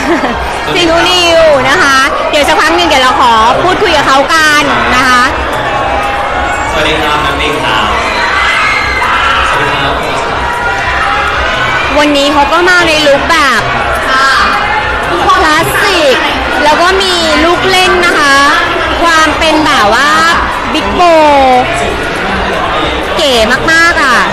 ซีนูนิวนะคะเดี๋ยวสักพักหนึ่งเดี๋ยวเราขอพูดคุยกับเขากันนะคะสวัสดีครับน้ำนิ่งครับสวัสดีครับวันนี้เขาก็มาในลุคแบบคลาสสิกแล้วก็มีลูกเล่นนะคะความเป็นแบบว่าบิ๊กโบเก๋มากๆอ่ะ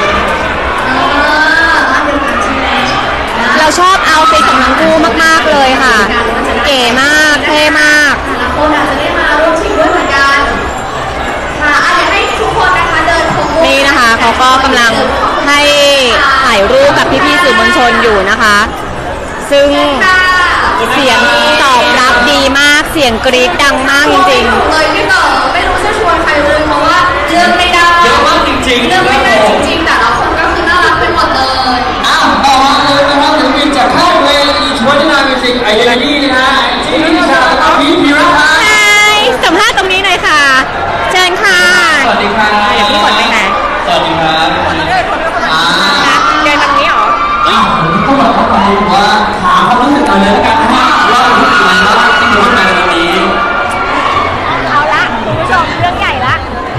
เราชอบเอาท์ฟิตของทั้งคู่มากๆเลยค่ะเก๋มากเท่มากคนอาจจะได้มาร่วมชิงด้วยเหมือนกันค่ะอยากให้ทุกคนนะคะเดินขบวนนี่นะคะเขาก็กำลังให้ถ่ายรูปกับพี่ๆสื่อมวลชนอยู่นะคะซึ่งเสียงตอบรับดีมากเสียงกรี๊ดดังมากจริงๆเลยพี่เต๋อไม่รู้จะชวนใครเลยเพราะว่าเลือกไม่ได้เยอะมากจริงๆเลือกไม่ได้จริงๆแต่ละคนก็คือน่ารักไปหมดเลยต่อมาเลยนะครับศิลปินจากค่ายเพลงอีชวนนามิวสิกไอเดียดี้นะฮะที่นิชาและพีพีรัตน์ใช่สัมภาษณ์ตรงนี้หน่อยค่ะเชิญค่ะสวัสดีครับเดี๋ยวพี่ฝนไปไหนสวัสดีครับเดินตรงนี้เหรอก็บอกเขาไปว่าถามเขารู้สึกเอาเลยแล้วกันว่าเรารู้สึกยังไงบ้างที่รู้มาในวันนี้เอาละคุณผู้ชมเรื่องใหญ่ละ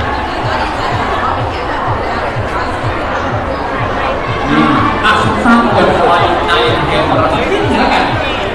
สร้างบทบาทในเกมของเราสักนิดนึงแล้วกัน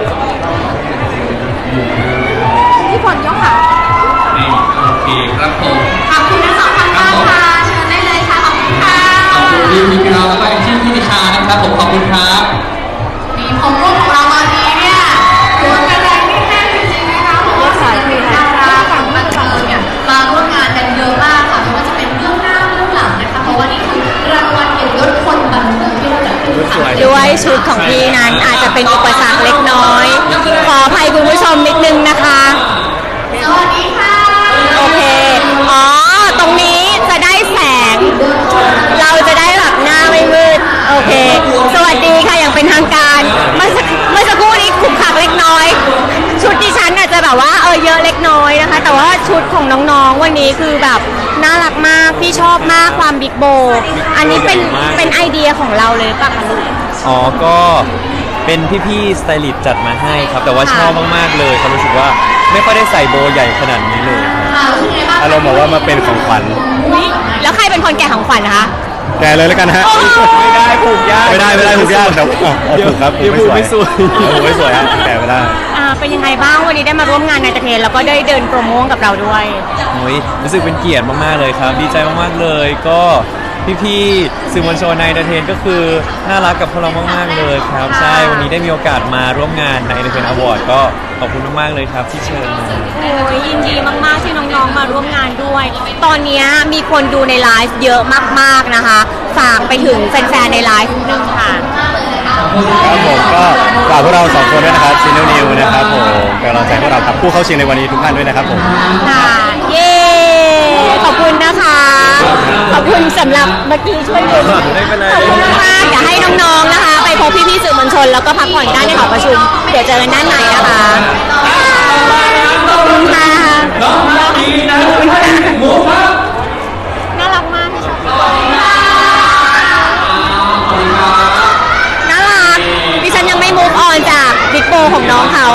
พี่ฝนยกค่ะนี่โอเคครับผมขอบคุณทั้งสองท่านมากค่ะเชิญได้เลยค่ะขอบคุณค่ะขอบคุณพี่พีเราแล้วก็ชื่อพี่นิชานะครับผมขอบคุณครับมีผมร่วมของเราวันนี้เนี่ยถือว่าเป็นแรงที่แน่นจริงๆนะคะเพราะว่าศิลปินดาราฝั่งบันเทิงเนี่ยมาร่วมงานกันเยอะมากค่ะไม่ว่าจะเป็นเรื่องหน้าเรื่องหลังนะคะเพราะว่านี่คือรางวัลเกียรติยศคนบันเทิงที่เราจัดขึ้นค่ะด้วยชุดของพี่นั้นอาจจะเป็นอุปสรรคเล็กน้อยขออภัยคุณผู้ชมนิดนึงนะคะสวัสดีค่ะโอเคอ๋อตรงนี้จะได้แสงเราจะได้แบบหน้าไม่มืดโอเคสวัสดีค่ะอย่างเป็นทางการเมื่อสักครู่นี้ขุกขักเล็กน้อยชุดดิฉันอาจจะแบบว่าเยอะเล็กน้อยนะคะแต่ว่าชุดของน้องๆวันนี้คือแบบน่ารักมากพี่ชอบมากความบิ๊กโบอันนี้เป็นไอเดียของเราเลยป่ะคะลูกอ๋อก็เป็นพี่ๆสไตลิสต์จัดมาให้ครับแต่ว่าชอบมากๆเลยเขารู้สึกว่าไม่ค่อยได้ใส่โบใหญ่ขนาดนี้เลยอารมณ์บอกว่ามาเป็นของขวัญแล้วใครเป็นคนแกะของขวัญนะคะแกเลยแล้วกันฮะไม่ได้ผูกยากไม่ได้ผูกยากแต่ผูกครับผูกไม่สวยผูกไม่สวยฮะแกไม่ได้เป็นยังไงบ้างวันนี้ได้มาร่วมงานในเทนแล้วก็ได้เดินโปรโมทกับเราด้วยโอ้ยรู้สึกเป็นเกียรติมากๆเลยครับดีใจมากๆเลยก็พี่ๆสื่อมวลชนในเดอะเทนก็คือน่ารักกับพวกเรามากๆเลยครับใช่วันนี้ได้มีโอกาสมาร่วมงานในเดอะเทนอวอร์ดก็ขอบคุณมากๆเลยครับที่เชิญมาโอ้ยยินดีมากๆที่น้องๆมาร่วมงานด้วยตอนนี้มีคนดูในไลฟ์เยอะมากๆนะคะฝากไปถึงแฟนๆในไลฟ์นึงค่ะครับผมก็ฝากพวกเรา2คนด้วยนะครับซีนูนิวนะครับผมเป็นกำลังใจพวกเราครับผู้เข้าชิงในวันนี้ทุกท่านด้วยนะครับผมค่ะเย้ขอบคุณนะคะขอบคุณสำหรับเมื่อกี้ช่วยดูขอบคุณมากอยากให้น้องๆนะคะไปพบพี่ๆสื่อมวลชนแล้วก็พักผ่อนได้ในหอประชุมเดี๋ยวเจอกันด้านในนะคะขอบคุณค่ะน่ารักมากที่ชอบน่ารักดิฉันยังไม่มูฟออนจากบิ๊กโบของน้องเขา